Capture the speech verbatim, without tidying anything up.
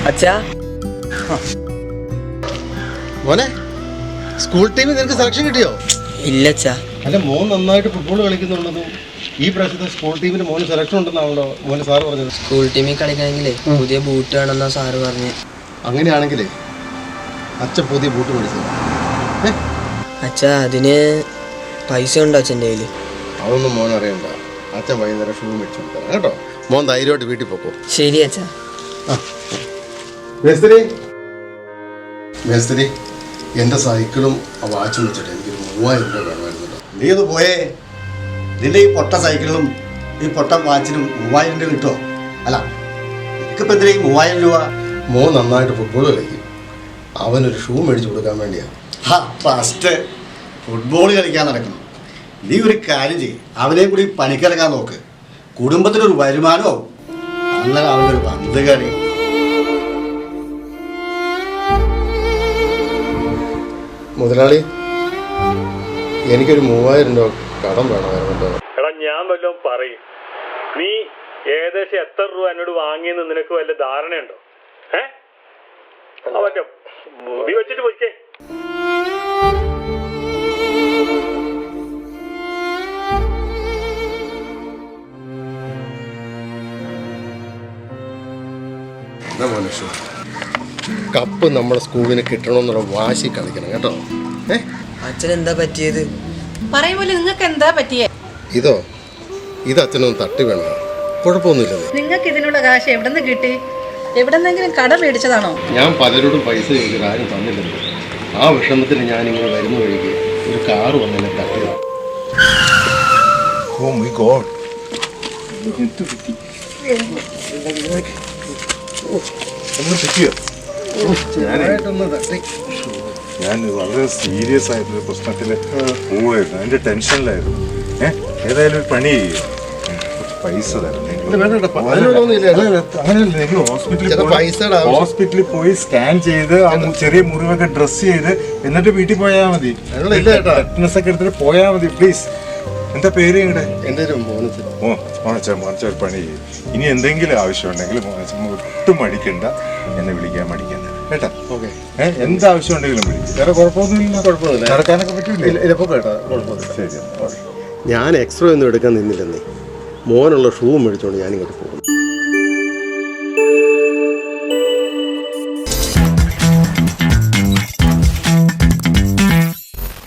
അച്ഛാ മോനെ, സ്കൂൾ ടീമിൽ നിനക്ക് സെലക്ഷൻ കിട്ടിയോ? ഇല്ല അച്ഛാ. അല്ല, മോൻ നന്നായിട്ട് ഫുട്ബോൾ കളിക്കുന്നുണ്ടെന്നും ഈ പ്രാവശ്യത്തെ സ്കൂൾ ടീമിന് മോന് സെലക്ഷൻ ഉണ്ടെന്നാണല്ലോ മോന് സാറ് പറഞ്ഞത്. സ്കൂൾ ടീമിൽ കളിക്കണമെങ്കിലേ പുതിയ ബൂട്ട് വേണമെന്നാ സാറ് പറഞ്ഞു. അങ്ങനെയാണെങ്കിലേ അച്ഛൻ പുതിയ ബൂട്ട് മേടിച്ചത്. അച്ഛാ, അതിന് പൈസ ഉണ്ടോ അച്ഛൻ്റെ കയ്യിൽ? അതൊന്നും മോൻ അറിയണ്ട. അച്ഛൻ വൈകുന്നേരം ഷൂ മേടിച്ചു കൊടുക്കാം കേട്ടോ. മോൻ ധൈര്യമായിട്ട് വീട്ടിൽ പോക്കോ. ശരി അച്ഛാ. മേസ്തിരി മേസ്തിരി എൻ്റെ സൈക്കിളും ആ വാച്ചും വെച്ചിട്ട് എനിക്കൊരു മൂവായിരം രൂപ വേണമായിരുന്നു. നീ ഒന്ന് പോയേ. നിന്റെ ഈ പൊട്ട സൈക്കിളിനും ഈ പൊട്ട വാച്ചിനും മൂവായിരം രൂപ കിട്ടുമോ? അല്ല, എനിക്കിപ്പോൾ എന്തിനാ ഈ മൂവായിരം രൂപ? മോൻ നന്നായിട്ട് ഫുട്ബോൾ കളിക്കും. അവനൊരു ഷൂ മേടിച്ചു കൊടുക്കാൻ വേണ്ടിയാണ്. ഹാ, ഫസ്റ്റ് ഫുട്ബോൾ കളിക്കാൻ നടക്കണം. നീ ഒരു കാര്യം ചെയ്യും, അവനെയും കൂടി പണിക്കിറങ്ങാൻ നോക്ക്. കുടുംബത്തിനൊരു വരുമാനവും അങ്ങനെ അവൻ്റെ ഒരു പന്ത് കളി. മുതലാളി, എനിക്കൊരു മൂവായിരം രൂപ കടം വേണമായിരുന്നു. എടാ, ഞാൻ വല്ലതും പറയും. നീ ഏകദേശം എത്ര രൂപ എന്നോട് വാങ്ങിയെന്ന് നിനക്ക് വല്ല ധാരണയുണ്ടോ? ഏ പറ്റും മുടി വെച്ചിട്ട് പോയിക്കേ. കപ്പ് നമ്മുടെ സ്കൂളിന് കിട്ടണമെന്നുള്ള വാശി കളിക്കണം കേട്ടോ. ഏ അച്ഛൻ എന്താ പറ്റിയത്? പറയുമ്പോലെ നിങ്ങൾക്ക് എന്താ പറ്റിയേ? ഇതോ ഇത് അച്ഛനൊന്ന് തട്ടി വേണം. കുഴപ്പമൊന്നുമില്ല. നിങ്ങൾക്ക് ഇതിനുള്ള കാശ് എവിടെ നിന്ന് കിട്ടി? എവിടെന്നെങ്കിലും കട മേടിച്ചതാണോ? ഞാൻ പലരോടും പൈസ ചോദിച്ചിട്ട് ആരും തന്നില്ലല്ലോ. ആ വിഷമത്തിന് ഞാനിങ്ങനെ വരുന്ന വഴിക്ക് ഒരു കാറ് വന്നെന്നെ തട്ടിയതാണ്. Oh my God. ഞാൻ വളരെ സീരിയസ് ആയിട്ടൊരു പ്രശ്നത്തിൽ പോവായിരുന്നു. അതിന്റെ ടെൻഷനിലായിരുന്നു. ഏഹ് ഏതായാലും ഒരു പണി ചെയ്യും, പൈസ തരാം. അങ്ങനെയല്ല, എനിക്ക് ഹോസ്പിറ്റലിൽ ഹോസ്പിറ്റലിൽ പോയി സ്കാൻ ചെയ്ത് ആ ചെറിയ മുറിവൊക്കെ ഡ്രസ് ചെയ്ത് എന്നിട്ട് വീട്ടിൽ പോയാൽ മതി. ടെറ്റ്നസ് ഒക്കെ എടുത്തിട്ട് പോയാൽ മതി. പ്ലീസ്. എന്താ പേര് നിങ്ങളുടെ? എൻ്റെ ഒരു മോനച്ച. ഓ മോനച്ച മോനച്ച ഒരു പണി ചെയ്യും. ഇനി എന്തെങ്കിലും ആവശ്യമുണ്ടെങ്കിൽ മോനച്ച ഒട്ടും മടിക്കണ്ട, എന്നെ വിളിക്കാൻ മടിക്കണ്ട കേട്ടാ. ഓക്കെ. ഏഹ് എന്താവശ്യം ഉണ്ടെങ്കിലും വിളിക്കും. വേറെ കുഴപ്പമൊന്നുമില്ല. കുഴപ്പമൊന്നുമില്ല. നടക്കാനൊക്കെ പറ്റൂല. ശരി. ഞാൻ എക്സ്ട്രാ ഒന്നും എടുക്കാൻ നിന്നില്ലെന്നേ. മോനുള്ള ഷൂ മേടിച്ചോണ്ട് ഞാനിങ്ങോട്ട് പോകുന്നു.